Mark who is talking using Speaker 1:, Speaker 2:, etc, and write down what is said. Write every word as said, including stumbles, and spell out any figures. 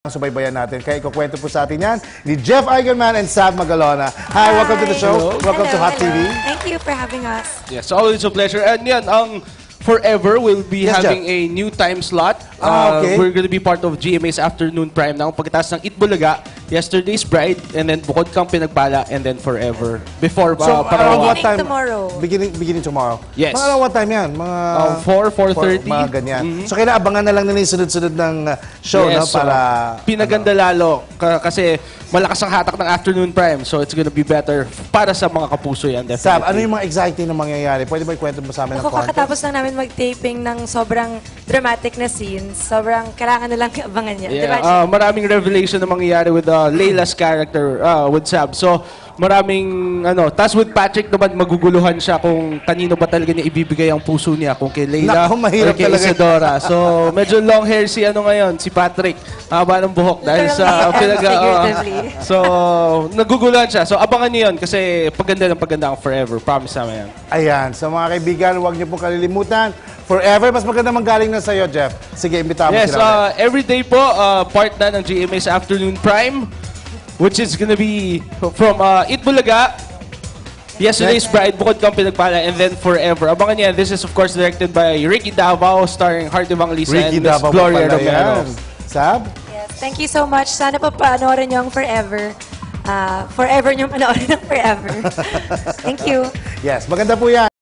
Speaker 1: subaybayan natin. Kaya ikukwento po sa atin yan ni Jeff Eigenman and Sab Magalona. Hi, Hi. Welcome to the show.
Speaker 2: Hello.
Speaker 1: Welcome
Speaker 2: Hello,
Speaker 1: to Hot
Speaker 2: hello.
Speaker 1: T V.
Speaker 2: Thank you for having us.
Speaker 3: Yes, always a pleasure. And yan, ang Forever will be
Speaker 1: Yes,
Speaker 3: having
Speaker 1: Jeff.
Speaker 3: a new time slot.
Speaker 1: Ah, okay.
Speaker 3: Uh, we're going to be part of G M A's Afternoon Prime now. Pagkatapos ng Itbulaga, Yesterday's Bride, and then Bukod Kang Pinagpala, and then Forever. Before,
Speaker 1: So,
Speaker 3: uh,
Speaker 1: around
Speaker 3: Parawan.
Speaker 1: what time?
Speaker 2: Tomorrow.
Speaker 1: Beginning, beginning tomorrow.
Speaker 3: Yes.
Speaker 1: Mga around what time yan? Mga
Speaker 3: Uh, four, four thirty.
Speaker 1: Mga ganyan. Mm-hmm. So, kailangan abangan na lang nila yung sunod-sunod ng uh, show,
Speaker 3: Yes,
Speaker 1: no?
Speaker 3: so,
Speaker 1: Para...
Speaker 3: pinaganda lalo. Ka- kasi malakas ang hatak ng Afternoon Prime. So, it's gonna be better para sa mga kapuso yan, definitely.
Speaker 1: Sab, ano yung mga exciting na mangyayari? Pwede ba ikwento mo sa amin ng
Speaker 2: Ako,
Speaker 1: konti?
Speaker 2: kakatapos lang namin mag-taping ng sobrang dramatic na scenes. Sobrang kailangan na lang abangan niya.
Speaker 3: Yeah,
Speaker 2: Diba?
Speaker 3: uh, maraming revelation na mangyayari with uh, Layla's character, uh, with Sab. So, maraming, ano, tas with Patrick naman, maguguluhan siya kung kanino ba talaga niya ibibigay ang puso niya, kung kay Layla
Speaker 1: Naku, mahirap
Speaker 3: or kay
Speaker 1: talaga.
Speaker 3: Isadora. So, medyo long hair si ano ngayon, si Patrick. Haba ng buhok dahil sa
Speaker 2: Literally
Speaker 3: pinag-
Speaker 2: and
Speaker 3: uh,
Speaker 2: figuratively.
Speaker 3: So, naguguluhan siya. So, abangan niyo yun kasi paganda ng paganda ang Forever. Promise namin yan.
Speaker 1: Ayan. So, mga kaibigan, huwag niyo pong kalilimutan. Forever, mas maganda manggaling na sa'yo, Jeff. Sige, imbitahan mo
Speaker 3: Yes,
Speaker 1: sila.
Speaker 3: uh, every day po, uh, part na ng G M A's Afternoon Prime, which is gonna be from uh, Itbulaga, Yesterday's Bride, Bukod Kang Pinagpala, and then Forever. Abangan niya, this is of course directed by Ricky Davao, starring Heart Evangelista
Speaker 1: Ricky
Speaker 3: and Miss
Speaker 1: Davao
Speaker 3: Gloria
Speaker 1: pa pala
Speaker 3: Romero.
Speaker 1: yan. Sab?
Speaker 2: Yes, thank you so much. Sana pa panoorin niyo ang Forever. Uh, forever niyo panoorin ang Forever. Thank you.
Speaker 1: Yes, maganda po yan.